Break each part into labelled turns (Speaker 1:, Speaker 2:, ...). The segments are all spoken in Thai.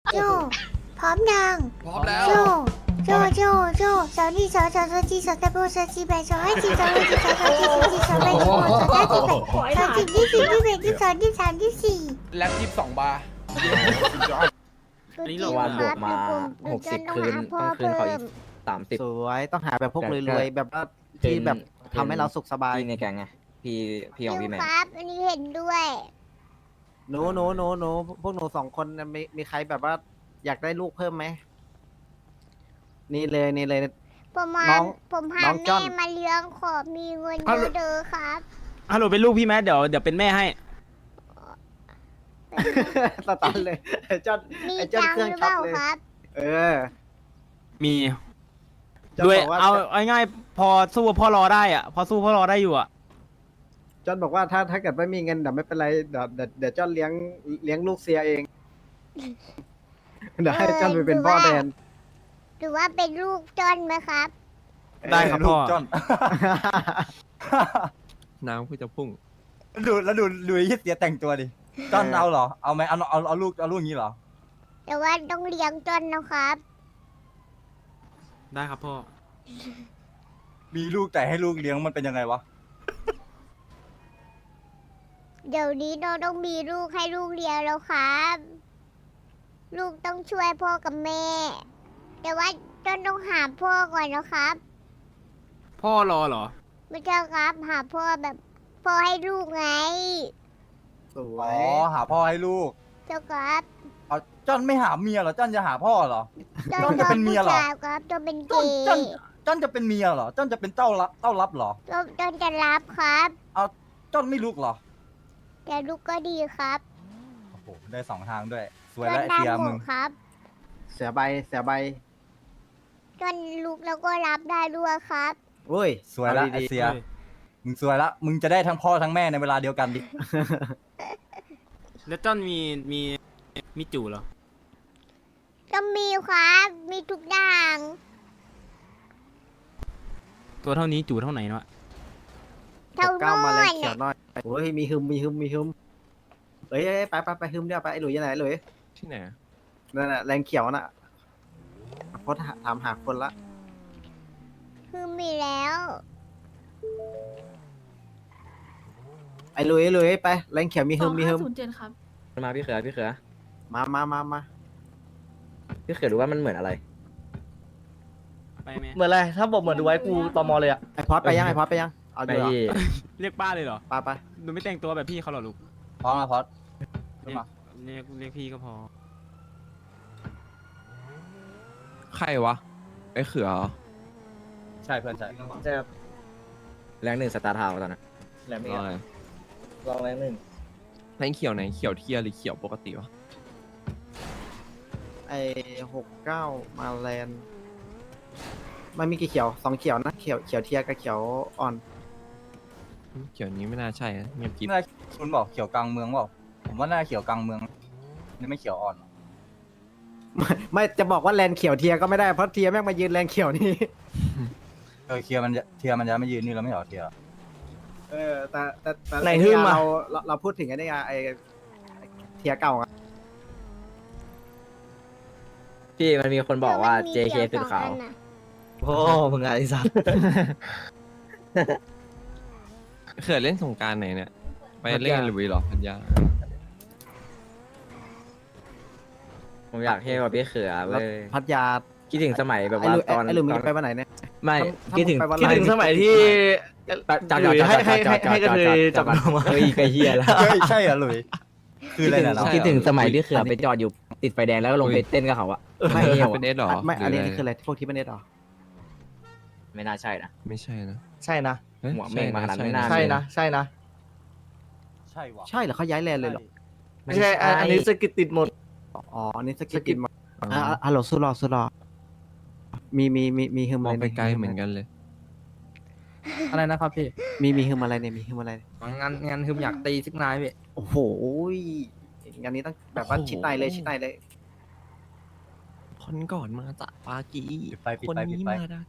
Speaker 1: โจพร้อมยัง
Speaker 2: พร้อมแล้ว
Speaker 1: โจสาวนี่สาวจีสาวตะโบสาวจีแบสาวให้จีสาวให้จีสาวจีสาวแบสาวสาวจีที่สี่ที่แบที่สองที่สามที่สี่
Speaker 2: แล็บ22 บาร์
Speaker 3: อันนี้เราวันบวกมา60 คืนต้องคืนเขาอีก30
Speaker 4: สวยต้องหาแบบพวกรวยๆแบบว่าที่แบบทำให้เราสุขสบาย
Speaker 3: พี่ในแกงไงพี่ของพี่แมน
Speaker 1: ครับอันนี้เห็นด้วย
Speaker 4: หนูพวกหนูสองคนน่ะมีใครแบบว่าอยากได้ลูกเพิ่มไหมนี่เลย
Speaker 1: ผมพา
Speaker 4: น้อง
Speaker 1: แม่
Speaker 4: จ้อน
Speaker 1: มาเลี้ยงขอมีเงินเยอะๆครับ
Speaker 5: ฮัลโหลเป็นลูกพี่แมทเดี๋ยวเป็นแม่ให้
Speaker 4: สตันเลยไอ้จอน
Speaker 1: มี
Speaker 4: ไอ้จอน
Speaker 1: ตัง
Speaker 4: เครื่
Speaker 1: ค์
Speaker 4: อง
Speaker 1: หรือ
Speaker 4: ช็
Speaker 1: เป
Speaker 4: อต
Speaker 1: ล่า
Speaker 4: เลย
Speaker 1: ครับ
Speaker 4: เออ
Speaker 5: มี
Speaker 4: จอน
Speaker 5: ด้วย
Speaker 4: บอกว่า
Speaker 5: เอาง่ายๆพอสู้พ่อรอได้อ่ะพอสู้พ่อรอได้อยู่อ่ะ
Speaker 4: จอนบอกว่าถ้าเกิดไม่มีเงินเดี๋ยวไม่เป็นไรเดี๋ยวจอนเลี้ยงลูกเสียเองเดี๋ยวให้จอนไปเป็นพ่อแทน
Speaker 1: หรือว่าเป็นลูกจอนไหมครับ
Speaker 5: ได้ครับพ่อ
Speaker 6: จอน
Speaker 7: น้ำคือจะพุ่ง
Speaker 6: ดูไอ้เหี้ยเสียแต่งตัวดิจอนเอาเหรอเอาไหมเอาลูกอย่างนี้เหรอ
Speaker 1: แต่ว่าต้องเลี้ยงจอนนะครับ
Speaker 5: ได้ครับพ่อ
Speaker 6: มีลูกแต่ให้ลูกเลี้ยงมันเป็นยังไงวะ
Speaker 1: เดี๋ยวนี้เราต้องมีลูกให้ลูกเลี้ยงแล้วครับ ลูกต้องช่วยพ่อกับแม่ แต่ว่าจอนต้องหาพ่อก่อนนะครับ
Speaker 5: พ่อรอเหรอ
Speaker 1: ไม่ใช่ครับ หาพ่อแบบพ่อให้ลูกไง
Speaker 4: สว
Speaker 6: อ๋อย หาพ่อให้ลูก
Speaker 1: เจ้าครับ
Speaker 6: เอาจอนไม่หาเมียเหรอจอนจะหาพ่อเหรอ จอนจะเป็นเมียเหรอ
Speaker 1: ผู้ชายครับจอนเป็นเก
Speaker 6: จอน
Speaker 1: ย์
Speaker 6: จอนจะเป็นเมียเหรอจอนจะเป็นเต้ารับเหรอ
Speaker 1: จอนจะรับครับ
Speaker 6: เอาจอนไม่ลูกเหรอ
Speaker 1: แต่ลูกก็ดีครับ
Speaker 6: โอ้โหได้สองทางด้วยสวย
Speaker 1: จอ
Speaker 6: แล้ว
Speaker 1: น
Speaker 6: ไอ้เสีย
Speaker 1: ทำหม
Speaker 6: มึ
Speaker 1: ด
Speaker 6: ง
Speaker 1: ครับ
Speaker 4: เสียใบ
Speaker 1: จนลุกแล้วก็รับได้ด้วยครับ
Speaker 4: โอ้ย
Speaker 6: สวยแล้ว
Speaker 4: อา
Speaker 6: ไอ้
Speaker 4: ดี
Speaker 6: เสียมึงสวยละมึงจะได้ทั้งพ่อทั้งแม่ในเวลาเดียวกันดิ
Speaker 5: แล้วจอนมีจู่เหรอ
Speaker 1: ก็มีครับ มีทุกอย่าง
Speaker 5: ตัวเท่านี้จู่เท่าไหนเนาะ
Speaker 1: เท่า
Speaker 4: ๆก้าวมาแรง
Speaker 1: โน่น
Speaker 4: เขียวหน่อยโอ้ยมีฮึมเอ้ยไปฮึมเดี๋ยวไปไอ้หลุยยังไงหลุย
Speaker 7: ที่ไหนอะ
Speaker 4: นั่นน่ะแรงเขียวน่ะโพสต์ถามหาคนละ
Speaker 1: คือมีแล้ว
Speaker 4: ไอ้หลุยไปแรงเขียวมีฮึม
Speaker 8: 2507 ครับ
Speaker 3: มาพี่เขือ
Speaker 4: มา
Speaker 3: พี่เขือรู้ว่ามันเหมือนอะไร
Speaker 5: ไปไหม
Speaker 9: เหมือนอะไร ถ้าบอกเหมือนดูไว้กูตมเลยอะ
Speaker 4: ไอ้พอดไปยังเอา
Speaker 3: ไป
Speaker 4: อยู่เหรอ
Speaker 3: ที่
Speaker 5: เรียกป้าเลยเหรอ
Speaker 4: ไป
Speaker 5: หนูไม่แต่งตัวแบบพี่เขาเหรอลูก
Speaker 6: พร้อมนะพอด
Speaker 5: เรียกเรียกพี่ก็พอ
Speaker 7: ใครวะ ไอ้เขือเหรอ
Speaker 6: ใช่เพื่อนใช่
Speaker 9: จะ
Speaker 3: แรงหนึ่งสตาร์ทาวน์ตอนนั้น
Speaker 9: แหลม
Speaker 7: ร
Speaker 9: นี่
Speaker 7: ออะไร
Speaker 9: ลองแรงหนึ่ง
Speaker 7: แรงเขียวไหน เขียวเทียร์หรือเขียวปกติวะ
Speaker 4: ไอ้69มาแลนด์มันมีกี่เขียว2เขียวนะเขียวเทียกับเขียวอ่อน
Speaker 7: เขียวนี้ไม่น่าใช่นะเงียบกริบ
Speaker 6: น่าคุณบอกเขียวกลางเมืองเปล่าผมว่าน่าเขียวกลางเมืองนี่ไม่เขียวอ่อนหรอ
Speaker 4: ไม่จะบอกว่าแลนด์เขียวเทียก็ไม่ได้เพราะเทียแม่งมายืนแลนด์เขียวนี่
Speaker 6: เทียมันจะไม่ยืนนี่เราไม่เหรอเทีย
Speaker 4: แต่
Speaker 9: ไหนฮึ่มอะ
Speaker 4: เราพูดถึงไอ้นี่ไงไอ้เทียเก่าอะ
Speaker 3: พี่มันมีคนบอกว่า
Speaker 1: แต่มันมี
Speaker 3: JK
Speaker 1: เดี่
Speaker 3: สุ
Speaker 1: ย
Speaker 3: ดขาว
Speaker 1: สองอันน่ะ
Speaker 9: โอ้มึงไงไอ้สัส
Speaker 7: เขือเล่นสงกรารไหนเนี่ย ไปเล่นหรือเหรอพันยา
Speaker 3: ผมอยากเท่กว่าพี่เขือ
Speaker 4: แล้ว
Speaker 3: เว้ย
Speaker 4: พัทยา
Speaker 3: คิดถึงสมัยแบบ
Speaker 4: ไอ้
Speaker 3: ว่า
Speaker 4: หลุย
Speaker 3: ตอน
Speaker 4: ไอ้หลุยมึง
Speaker 3: ตอน
Speaker 4: ไปวันไหนเนี่ย
Speaker 3: ไม่
Speaker 4: ถ้า
Speaker 3: คิดถึง
Speaker 4: มึงไปวัน
Speaker 9: คิดถึงสมัยที่
Speaker 3: จอด
Speaker 9: หลุยให้กระเทยจับนมมา
Speaker 3: เฮ้ยไกลเฮียแล้ว
Speaker 6: เฮ้ยใช่เหรอหลุยคืออะไรเนี่ยเรา
Speaker 3: คิดถึงสมัยที่เขือไปจอดอยู่ติดไฟแดงแล้วก็ลงไปเต้นกับเขาอะ
Speaker 4: ไม่
Speaker 3: เที่ยว
Speaker 7: เป็น
Speaker 3: อะ
Speaker 7: เอสหรอ
Speaker 4: ไม่อันนี้
Speaker 7: หรืะร
Speaker 4: คืออะไรพวกที่ไม่ได้หรอ
Speaker 3: ไม่น่าใช่นะ
Speaker 7: ไม่ใช่นะ
Speaker 9: ใช่นะ
Speaker 7: เฮ้ย
Speaker 3: หัวเม่งมาขนาดนั้นไม่น่า
Speaker 9: ใช่นะ ใช่นะ
Speaker 6: ใช่วะ
Speaker 4: ใช่เหรอเขาย้ายแลนด์เลยเหรอ
Speaker 9: ไม่ใช่ อันนี้สกิดติดหมด
Speaker 4: อ๋ออันนี้สกิปมาฮัลโหลสุรอมีฮึม
Speaker 7: ม
Speaker 4: อะ
Speaker 7: อง
Speaker 4: ไร
Speaker 7: ไปไกลเหมือนกันเลย
Speaker 9: อะไรนะครับพี่
Speaker 4: มีฮึมอะไรเนี่ยมีฮึมอะไร
Speaker 9: งานคืออยากตีซิกนายพี่
Speaker 4: โอ้โหงานนี้ต้องแบบว่า
Speaker 7: โอ้โห
Speaker 4: ชิดในเลย
Speaker 7: คนก่อนมาจากปากี
Speaker 6: ปิด
Speaker 7: คน
Speaker 6: ไป
Speaker 7: นี้มาได้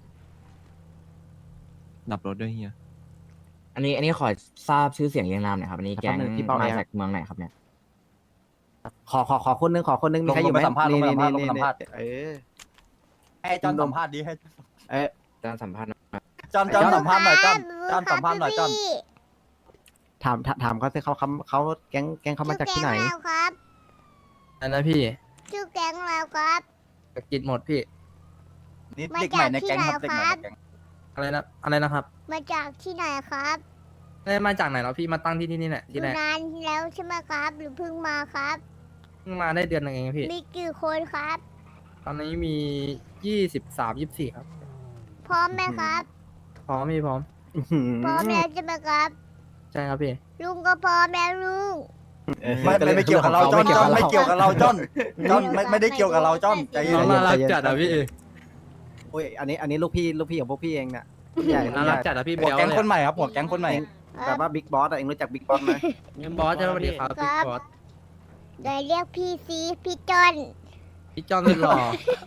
Speaker 7: ดับรถด้วยเฮีย
Speaker 3: อันนี้ขอทราบชื่อเสียงเรียงนามหน่อยครับอันนี้แก๊งมาจากเมืองไหนครับเนี่ย
Speaker 4: ขอคนนึงมีใครอยู่ไหม
Speaker 6: ลงไปสัมภาษณ์
Speaker 4: นี่
Speaker 6: ลงไป
Speaker 4: นี่
Speaker 6: สัมภาษณ์
Speaker 4: เออ
Speaker 6: ให้จอนสัมภาษณ์ดิให้
Speaker 4: เอ้ย
Speaker 3: จอนสัมภาษณ์หน่อย
Speaker 6: จอนสัมภาษณ์หน่อยจอนสัมภาษณ์หน่อยจอน
Speaker 4: ถามเขาสิเขาแก๊งเขามาจากที่ไหน
Speaker 1: ชื่อแก๊งเราครับ
Speaker 9: อันนั้นพี่
Speaker 1: ชื่อแก๊งเราครับ
Speaker 9: สะกิดหมดพี่
Speaker 6: นี่เด็กใหม่ในแก๊งครับเด็กใหม่ในแก๊ง
Speaker 9: อะไรนะครับ
Speaker 1: มาจากที่ไหนครับ
Speaker 9: ได้มาจากไหนแล้วพี่มาตั้งที่นี่แหละ
Speaker 1: อ
Speaker 9: ที่
Speaker 1: ยู่
Speaker 9: ไหน
Speaker 1: นานแล้วใช่ไหมครับ หรือเพิ่งมาครับ
Speaker 9: เพิ่งมาได้เดือนหนึงเองพี่
Speaker 1: มีกี่คนครับ
Speaker 9: ตอนนี้มี23 24ครับ
Speaker 1: พร้อมไหมครับ
Speaker 9: พร้อมพี่พร้อม
Speaker 1: พร้อมแล้วใช่ไหมครับ
Speaker 9: ใช่ครับพี่
Speaker 1: ลุงก็พร้อมแล้วลุง
Speaker 6: ไม่เกี่ยวกับเราจอนไม่เกี่ยวกับเราจอนไม่ได้เกี่ยวกับเราจอนใจเย็
Speaker 9: น้อง
Speaker 6: น
Speaker 9: น่ารักจัดอ่ะพี่
Speaker 4: โอ้ยอันนี้ลูกพี่ของพวกพี่เองเนี่ยใหญ่
Speaker 9: น่ารักจัดอ่ะพี่
Speaker 6: หัวแก๊งคนใหม่ครับหัวแก๊งคนใหม่
Speaker 4: แบบว่าบิ๊กบอสเองรู้จักบิ๊กบอสไหม
Speaker 9: บอสใช่ไหมพี่ครับพี่บอส
Speaker 1: เดี๋ยวเรียกพี่ซีพี่จอน
Speaker 9: พี่จอนสุดหล่อ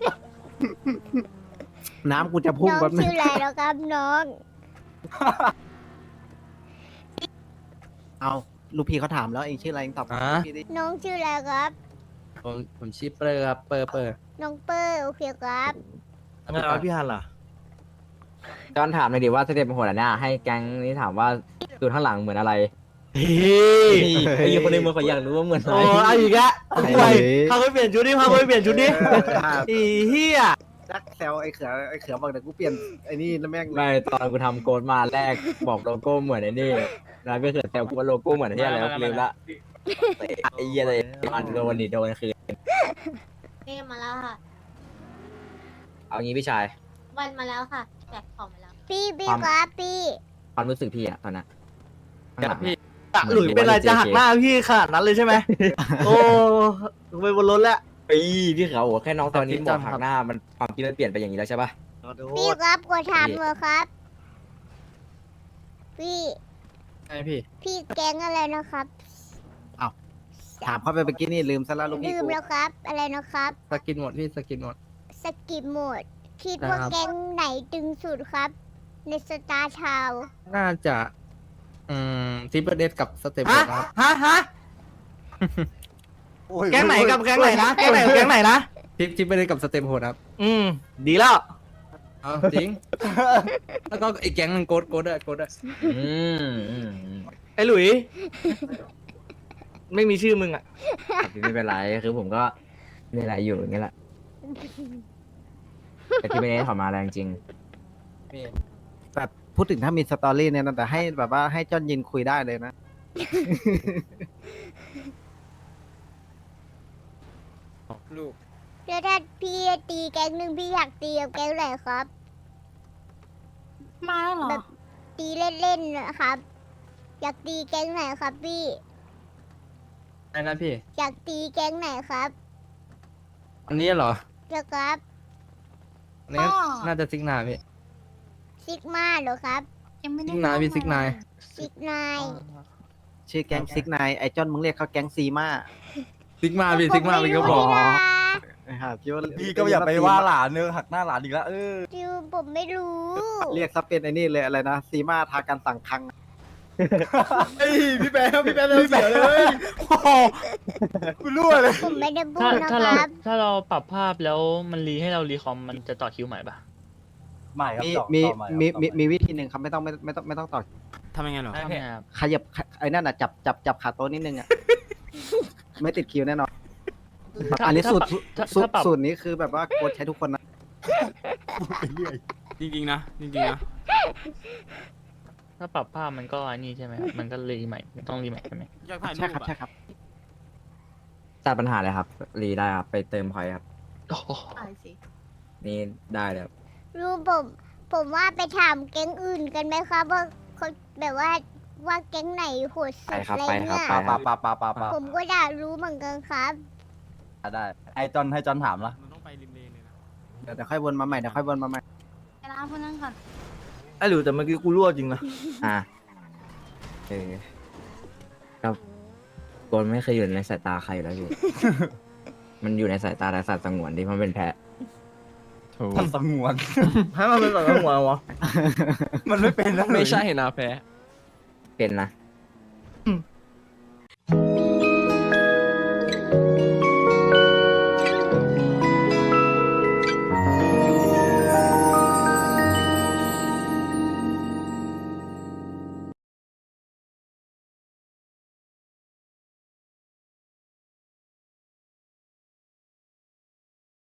Speaker 4: น้ำกูจะพุ่ง
Speaker 1: น้อง
Speaker 4: แป๊บนึง
Speaker 1: ชื่ออะไรแล้วครับน้อง
Speaker 4: เอาลูกพี่เขาถามแล้วเองชื่ออะไรเองตอบพี่ดิ
Speaker 1: น้องชื่ออะไรครับ
Speaker 9: ผมชื่อเปอร์ครับเปอร์
Speaker 1: น้องเปอร์โอเคครับ
Speaker 5: แล้วพี่ฮันล่ะ
Speaker 3: จอนถามเลยดิว่าสเต็ปโหดอันเนี้ยให้แก๊งนี้ถามว่าดูข้างหลังเหมือนอะไร
Speaker 5: เฮ้ย
Speaker 3: ไอ้คนในเมืองเขาอยากรู้ว่าเหมือนอะไร
Speaker 5: โอ้เอาอีกแล้วไปพาไปเปลี่ยนชุดดิพาไปเปลี่ยนชุดดิอีเหี้ย
Speaker 4: จักแซวไอ้เขือบอกเดี๋ยวกูเปลี่ยนไอ้นี่แล้วแม่ง
Speaker 3: ไม่ตอนกูทำโกดมาแรกบอกโลโก้เหมือนไอ้นี่แล้วก็เกิดแต่กูว่าโลโก้เหมือนที่อะไรวะลืมละไอ้เหี้ยอะไรมันโดนดิโดนคือ
Speaker 8: นี่มาแล้วค่ะ
Speaker 3: เอางี้พี่ชาย
Speaker 8: วันมาแล้วค่ะแจกของมาแล้ว
Speaker 1: พี่
Speaker 3: ความ
Speaker 1: ครับพี่
Speaker 3: ความรู้สึกพี่อะตอนนั้นข้างหลังอะ
Speaker 5: หลุยเป็นไรจะหักหน้าพี่ขนาดนั้นเลยใช่ไหมโอ้ลงไปบนรถแล้ว
Speaker 3: พี่เขาบอกแค่น้องตอนนี้บอกหักหน้ามันความคิดมันเปลี่ยนไปอย่างนี้แล้วใช่ปะ
Speaker 5: ขอโท
Speaker 1: พี่
Speaker 5: ษ
Speaker 1: ครับกดถามเลยครับ พี่
Speaker 9: ใช่พี่
Speaker 1: พี่แก๊งอะไรนะครับ
Speaker 4: ถามเขาไปเมื่อกี้นี่ลืมซะแล้วลูกพี่
Speaker 1: ลืม
Speaker 4: กู
Speaker 1: แล้วครับ อะไรนะครับ
Speaker 9: สกินหมดพี่สกินหมด
Speaker 1: สกิปโหมด คิดว่า
Speaker 9: ครับ
Speaker 1: แก๊งไหนตึงสุดครับ ในสตาร์ทาวน์
Speaker 9: น่าจะทิปเปอร์เดกับสเต็ป
Speaker 5: ฮะ
Speaker 9: ครับ
Speaker 5: ฮะแก๊งไหนกับแก๊งไหนนะแก๊งไหนกับแก๊งไหนนะ
Speaker 9: ทิปเปอร์เดกับสเต็ปโหดครับ
Speaker 5: ดีแล้ว
Speaker 9: เอาจริง แล้วก็อีกแก๊งหนึงโกดด้วย
Speaker 3: อืม
Speaker 5: ไอ้หลุย ไม่มีชื่อมึงอ่ะ
Speaker 3: ไม่เป็นไรคือผมก็มีอะไรอยู่อย่างเงี้ยแหละแต่ที่ไม่ได้ถอดมาแรงจริง
Speaker 4: แบบพูดถึงถ้ามีสตอรี่เนี่ยนะแต่ให้แบบว่าให้จอนยินคุยได้เลยนะ
Speaker 9: ลูก
Speaker 1: แล้วถ้าพี่ตีแก๊งหนึ่งพี่อยากตีกับแก๊งไหนครับ
Speaker 8: มาแล้วเหรอ
Speaker 1: แบบตีเล่นๆนะครับ อยากตีแก๊งไหนครับพี่
Speaker 9: ไอ้นะพี่
Speaker 1: อยากตีแก๊งไหนครับ
Speaker 9: อันนี้เหรอ
Speaker 1: เจ้าครับ
Speaker 9: อันนี้น่าจะซิกนาพี่
Speaker 1: ซิกมาเหรอครับ
Speaker 8: ยังไม่ได้
Speaker 9: ซิกนายพี่ซิกนาย
Speaker 1: ซิกนาย
Speaker 4: ชื่อแก๊งซิกนายไอ้จอนมึงเรียกเขาแก๊งซีมา
Speaker 9: ซิกมาพี่ซิกมาพี่ก็บอก
Speaker 1: ผมไม่รู้นะ
Speaker 4: คิดว่า
Speaker 6: พี่ก็อย่าไปว่าหลานเนื้อหักหน้าหลานอีกแล้ว
Speaker 1: จิวผมไม่รู้
Speaker 4: เรียกซะเป็นไอ้นี่เลยอะไรนะซีมาทากันสั่งคัง
Speaker 6: พี่แป๊บเสียเลยโอ้โหกูรั่วเลย
Speaker 1: ผมไม่ได้พู
Speaker 10: ถ้า
Speaker 1: ดนะ
Speaker 10: ถ้า
Speaker 1: ค
Speaker 10: เรา
Speaker 1: รับ
Speaker 10: ถ้าเราปรับภาพแล้วมันรีให้เรารีคอมมันจะต่อคิวใหม่ปะ
Speaker 6: ใหม่ครับ
Speaker 4: มี
Speaker 6: ต่อ
Speaker 4: มี
Speaker 6: ต่อใหครับ
Speaker 4: มี
Speaker 6: ต่อให
Speaker 4: มีวิธีหนึ่งครับไม่ต้องต่อ
Speaker 5: ทำยังไงหรอ
Speaker 10: ทำไงครับ
Speaker 4: ขยับไอ้นั่นอ่ะจับขาโต๊ะนิดนึงอ่ะ ไม่ติดคิวแน่นอน อันนี้สูตร
Speaker 10: ถ้าปรับ
Speaker 4: สูตรนี้คือแบบว่าโค้ชใช้ทุกคนนะ
Speaker 6: ไปเรื่อย
Speaker 5: จริงๆนะ
Speaker 10: ถ้าปรับภาพมันก็อันนี้ใช่ไหมครับมันก็รีใหม่มันต้องรีใหม่ใช่ไหม
Speaker 5: อยากถ่ายรู
Speaker 4: ใช่
Speaker 5: ป
Speaker 4: ครับใช่ครับ
Speaker 3: ตัดปัญหาเลยครับ รีได้ครับ ไปเติมพอยต์ครับ
Speaker 10: โอ้โห
Speaker 8: อ่านสิ
Speaker 3: นี่ได้เลยครับ
Speaker 1: รู้ผมว่าไปถามแก๊งอื่นกันไหมครับว่าเขาแบบว่าแก๊งไหนโหดสุ
Speaker 3: ไป
Speaker 1: ด
Speaker 3: ครับ
Speaker 1: อะไร
Speaker 3: ไปครั
Speaker 1: เนี่
Speaker 3: บ
Speaker 1: ย
Speaker 3: ไปครับ
Speaker 6: ปา
Speaker 1: ผมก็อยากรู้เหมือนกันครับ
Speaker 6: ได้ให้จอนถามละ
Speaker 5: มันต้องไปริมเลนเลยนะ
Speaker 4: เดี๋ยวค่อยวนมาใหม่เดี๋ยวค่อยวนมาใหม่
Speaker 8: ไปร้านพวกนั้นก่อน
Speaker 5: ไอ้หลุยแต่เมื่อกี้กูรั่วจริงนะ
Speaker 3: อ่ะครับโกนไม่เคยอยู่ในสายตาใครอยู่แล้วพี่ มันอยู่ในสายตาแต่สัตว์สงวนที่มันเป็นแพะ
Speaker 6: มันสงวน
Speaker 5: ให้มันเป็นแบบหัววะ
Speaker 6: มันไม่เป็นนะ
Speaker 7: ไม่ใช่นะแพ้
Speaker 3: เป็นนะ